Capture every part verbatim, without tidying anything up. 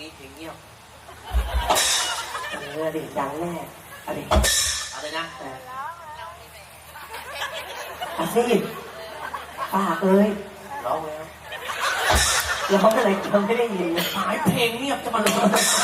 นี้เพลงเงียบเออดิดังแน่อะไรอะไรนะอาซีปากเลยร้องแล้วร้องอะไรเราไม่ได้ยินหายเพลงเงียบจะมาเลย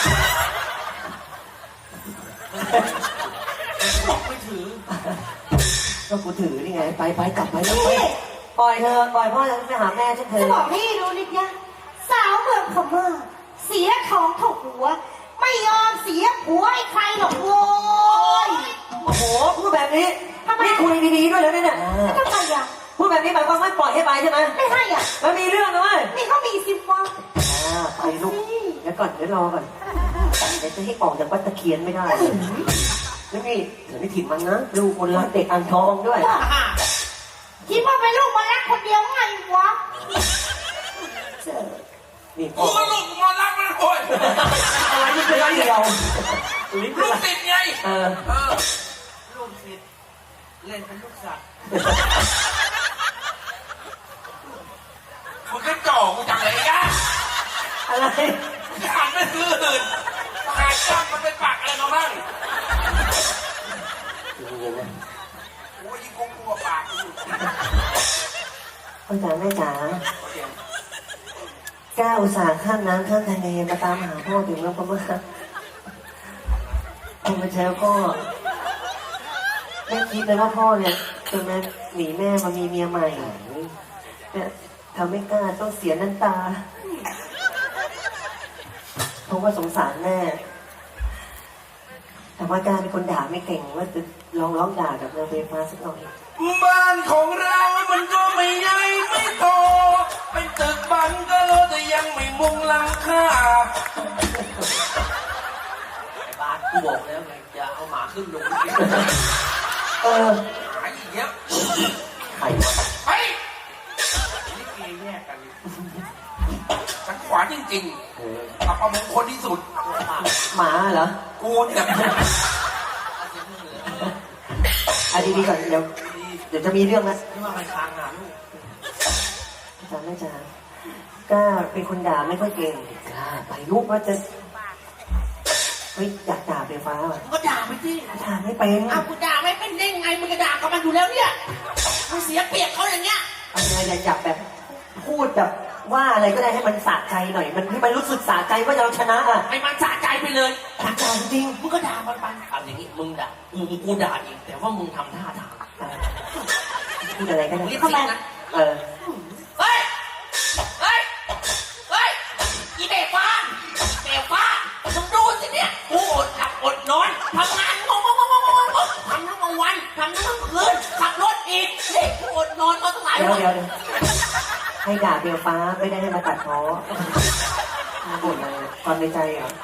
บอกไม่ถือก็กูถือนี่ไงไปไปกลับไปแล้วไปปล่อยเธอปล่อยพ่อจะไปหาแม่ฉันเถอะจะบอกพี่ดูนิดยังสาวเมืองพม่าเสียของถูกหัวไม่ยอมเสียผัวให้ใครหรอกโว้ยโอ้โหพูดแบบนี้นี่คุยดีๆด้วยแล้วเนี่ยทำไมอ่ะพูดแบบนี้หมายความว่าปล่อยให้ไปใช่ไหมไม่ให้อ่ะมันมีเรื่องนะเว้ยนี่เขามีสิบวันไปลูกเดี๋ยวก่อนเดี๋ยวรอก่อนเดี๋ยวจะให้ออกจากวัดตะเคียนไม่ได้แล้วนี่เดี๋ยวไม่ถิ่นมันนะลูกคนรักเด็กอ่างทองด้วยคิดว่าเป็นลูกมันรักคนเดียวไงวะนี่กูก็ลูกมารักมันโอยอะไรนี่เป็นไรเดียวลูกติดไงเออลูกติดเล่นเป็นลูกสัตว์มึงก็จ่อกูจังเลยนะอะไรหันไปซื้ออื่นหาจ้างมันเป็นปากอะไรมาบ้างเย็นๆนะโอ้ยยิ่งกลัวปากกูพ่อจ๋าแม่จ๋าก้าวอุตส่าห์ข้ามน้ำข้ามทะเลมาตามหาพ่อถึงแล้วพ่อมาพ่อมาเช้าพ่อแม่คิดเลยว่าพ่อเนี่ยจะมาหนีแม่มามีเมียใหม่เนี่ยทำไม่กล้าต้องเสียน้ำตาเพราะว่าสงสารแม่แต่ว่าการเป็นคนด่าไม่เก่งว่าจะลองร้องด่ากับนางเบฟ้าสักหน่อยบ้านของเรามันก็ไม่ใหญ่ไม่โตเป็นตึกบังก็โลแต่ยังไม่มุงหลังคาไอ้บ้านกูบอกแล้วไงอย่าเอาหมาขึ้นลงเออหาอีกเยอะใครวะไปนี่เกย์แยกกันฉันขวานจริงๆอับประมงคลที่สุดหมาเหรอกูเนี่ยอ่ะดีๆก่อนเดี๋ยวเดี๋ยวจะมีเรื่องนะที่ว่าไปทางอ่ะลูกจ๋าแม่จ๋าก้าเป็นคนด่าไม่ค่อยเก่งก้าไปลูกว่าจะเฮ้ยอยากด่าเบฟ้าอ่ะก็ด่าไปสิด่าไม่เป็นอ้าวกูด่าไม่เป็นได้ไงมึงก็ด่ากับมันอยู่แล้วเนี่ยมึงเสียเปรียบเขาอย่างเงี้ยเอาไงอยากแบบพูดแบบว่าอะไรก็ได้ให้มันสะใจหน่อยมันให้มันรู้สึกสะใจว่าเราชนะอ่ะให้มันสะใจไปเลยสะใจจริงมึงก็ด่ามันไปทำอย่างนี้มึงด่ามึงกูด่าอีกแต่ว่ามึงทำท่าทางพูดอะไรกันเรียกเขาไปนะเออเฮ้ยเฮ้ยเฮ้ยอีเบฟ้าเบฟ้ามึงดูสิเนี่ยกูอดหลับอดนอนทำงานงงงงงงงงทำทั้งกลางวันทำทั้งคืนขับรถอีกนี่กูอดนอนมาตั้งหลายวันเดี๋ยวเดี๋ยวให้ด่าเบลฟ้าไม่ได้ให้มาตัดพ้อมาบ่นอะไรตอนในใจเหรอ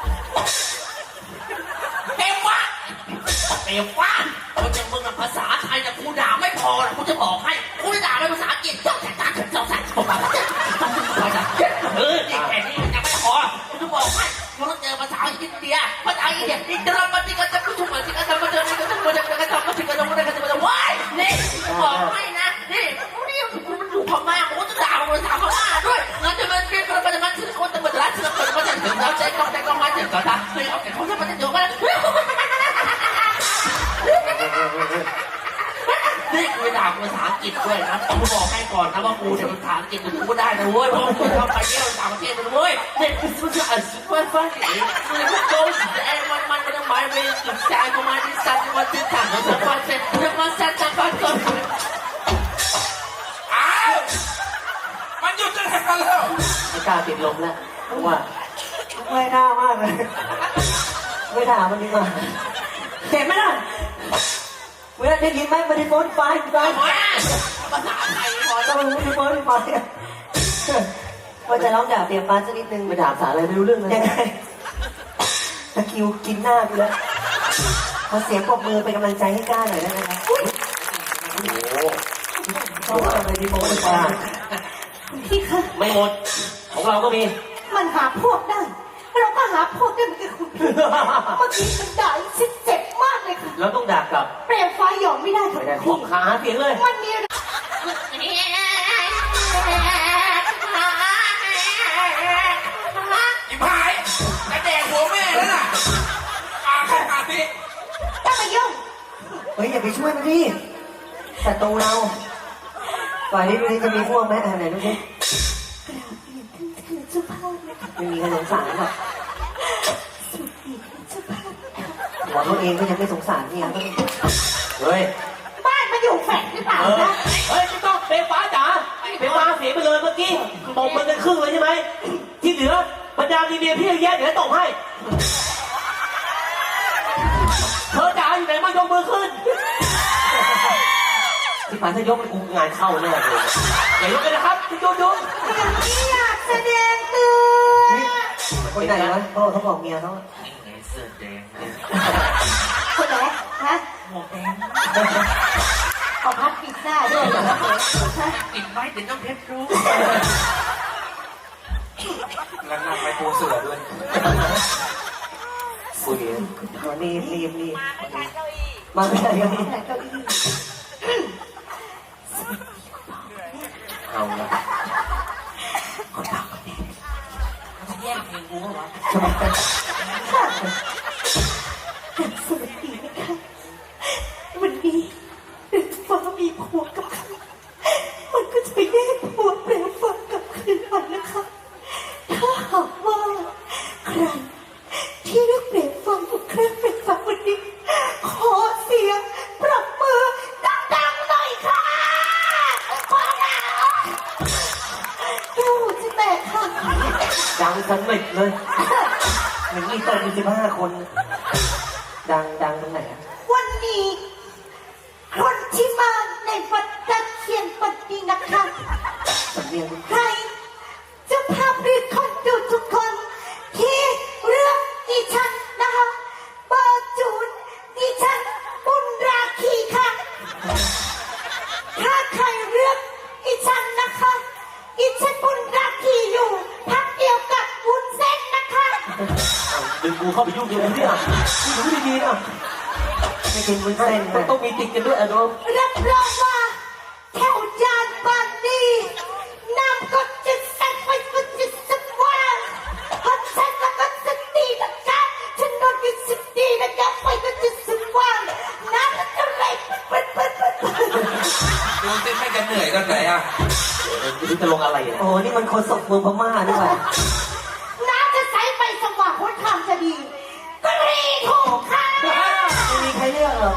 เบลฟ้าเบลฟ้าเขาจะมึงภาษาไทยแต่กูด่าไม่พอกูจะบอกให้กูจะด่าเป็นภาษาอังกฤษจ้องแต่ตาจ้องแต่จ้องแต่เออนี่แค่นี้ยังไม่พอกูจะบอกให้กูต้องเจอภาษาอินเดียภาษาอินเดียอินเดียมันที่กันจะพูดมาที่กันจะมาเจอที่กันจะมาเจอที่กันจะมาที่กันจะมาที่กันจะมาว้ายนี่บอกให้นะนี่กูนี่กูมันอยู่พม่ากูจะด่าภาษาพม่าด้วยงั้นจะมันเป็นมันจะมันถึงคนจะมาด่าถึงคนมาจะถึงเราใจก็แต่ก็มาถึงก็ได้ไม่เอาแต่เขาจะมาจะอยู่กันนี่กูด่าภาษาอังกฤษด้วยนะกูบอกให้ก่อนนะว่ากูเนี่ยภาษาอังกฤษกูพูดได้นะเว้ยเพราะกูชอบไปเที่ยวต่างประเทศนะเว้ยเนี่ยกูจะอ่านซุปเปอร์ฟังก์มันก็โดนไอ้มันมันมันหมายไปสุดใจกูมาที่สัตว์มาที่ถังแล้วจะมาเสร็จจะมาเสร็จจะมาก่อนอ้าวมันหยุดจะทำกันแล้วไม่กล้าติดลมแล้วเพราะว่าไม่น่ามากเลยไม่ด่ามันดีกว่าเห็นไหมล่ะเวลาได้ยินไหมมันได้โฟนไฟกูได้ภาษาไทยพอต้องมันได้โฟนไฟว่าจะร้องด่าเปียฟ้าสักนิดนึงไปด่าภาษาอะไรไม่รู้เรื่องเลยยังไงตะคิวกินหน้ากูแล้วขอเสียงปรบมือเป็นกำลังใจให้ก้าหน่อยได้ไหมครับโอ้โหเขาทำอะไรดีโฟนไฟพี่คะไม่หมดของเราก็มีมันหาพวกได้เราก็หาพวกได้เหมือนกันคุณพี่เมื่อกี้มันด่าชิดเจ็บมากเลยค่ะเราต้องด่ากลับเปลี่ยนไฟหยอมไม่ได้ค่ะพี่ขาเสียงเลยมันมีอีพายเฮ้ยอย่าไปช่วยมันดิศัตรูเราฝ่ายนี้ดูนี่จะมีพวกไหมอ่าไหนดูสิกราบเรียนท่านคือเจ้าภาพนะคะไม่มีใครสงสารหรอกสุดดีคือเจ้าภาพนะคะหัวตัวเองก็ยังไม่สงสารเนี่ยเฮ้ยบ้านมาอยู่แฝงหรือเปล่าเออนะเฮ้ยไม่ต้องเปฟ้าจ๋าเปฟ้าเสียไปเลยเมื่อกี้ตบมันกันครึ่งเลยใช่ไหมที่เหลือบรรดาดีเมียพี่เยอะแยะเดี๋ยวตบให้เธอจ๋าอยู่ไหนมายกมือขึ้นที่ผ่านถ้ายกมันกูงานเข้าแน่เลยอย่ายกเลยนะครับที่ดูดูอย่างนี้อยากแสดงตัวคนไหนวะพ่อเขาบอกเมียเขานี่ไงเสื้อแดงเนี่ยคนไหนฮะหมวกแดงเอาพัดปิดหน้าด้วยเหรอฮะปิดไว้เดี๋ยวต้องเพชรรู้แล้วนั่งไปปูเสือด้วยคุยมารีบรีบรีบมาไม่ใช่เก้าอี้ไหนเก้าอี้เอาละจะแย่งเพลงกูเหรอทำไมกันค่ะสวัสดีนะคะวันนี้ฟ้ามีผัวกับใครมันก็จะไปแย่งผัวแปลฟ้ากับคืนมันนะคะ ถ้าหากว่าใครที่เลือกเปลี่ยนฟังกับเครื่องเป็นฟังวันนี้ ขอเสียงปรบมือดังๆหน่อยค่ะขอแล้วแก้วหูจะแตกค่ะดังสนิทเลยเหมือนมีโต๊ะมีสิบห้าคน ดังดังตรงไหนอะวันนี้ คนที่มาในวัดตะเคียนปัดนี้นะคะสำเนียงใครเจะภาพหรือคนดูทุกคน ที่เลือกดิฉันนะคะเบอร์จูนดิฉันบุญราคีค่ะ ถ้าใครเลือกดิฉันนะคะดิฉันบุญราคีอยู่พักเดียวกับบุญเส้นนะคะดึงกูเข้าไปยุ่งเยอะเนี่ยนี่ดูดีๆนะไม่กินวุ้นเส้นมันนะต้องมีติดกันด้วยอะโดมรับรองว่าแถวจานบานนี้น้ำก็จะแซ่บไปก็จะสว่างพัดแซ่บแล้วก็สตีนะคะฉันนอนก็สตีนะคะไฟก็จะสว่างน้ำก็จะไหลปึ๊ดปึ๊ดปึ๊ดปึ๊ดดูเต้นไม่กันเหนื่อยตอนไหนอ่ะไม่รู้จะลงอะไรเนี่ยโอ้โหนี่มันคนศกเมืองพม่าด้วยน้ำจะใสไปสว่างพ้นคำจะดีกรีถูกค่ะไม่มีใครเลือกหรอก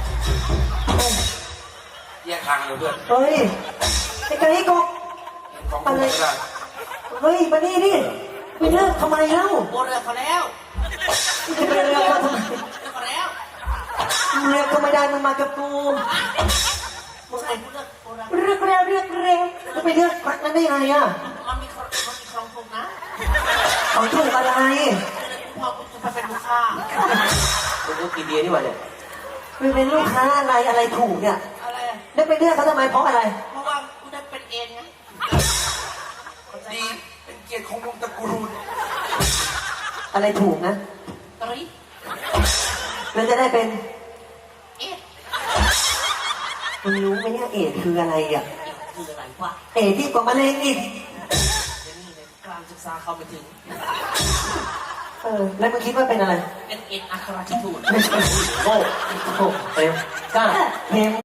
แยกทางเลยเพื่อนเฮ้ยไอ้ไก่กบของกูไม่ได้เฮ้ยมานี่ดิไปเลือกทำไมเล่าโบเรือเขาแล้วจะไปเลือกเขาทำไมเรือเขาแล้วเลือกก็ไม่ได้มันมากับกูมึงไอ้กูเลือกโบราณเรียกเร็วเรียกเร็วจะไปเลือกพักนั้นได้ไงอ่ะมันมีครมันมีครองถูกนะเขาถูกอะไรพอกูจะไปเป็นลูกค้ามึงก็กินเบียร์นี่หว่าเนี่ยมันเป็นลูกค้าอะไรอะไรถูกเนี่ยอะไรอะได้ไปเลือกเขาทำไมเพราะอะไรเพราะว่ากูได้เป็นเอ็นไงดี เป็นเกียรติของวงตระกูลอะไรถูกนะตรีแล้วจะได้เป็นเอ็นมึงรู้ไหมเนี่ยเอดส์คืออะไรอ่ะคืออะไรวะเอดส์ที่กว่ามะเร็งอีกเดี๋ยวนี้ในการศึกษาเข้าไปถึงเออแล้วมึงคิดว่าเป็นอะไรเป็นเอ็นอัครราชทูตไม่ใช่โง่โง่เต็มกล้าเพลง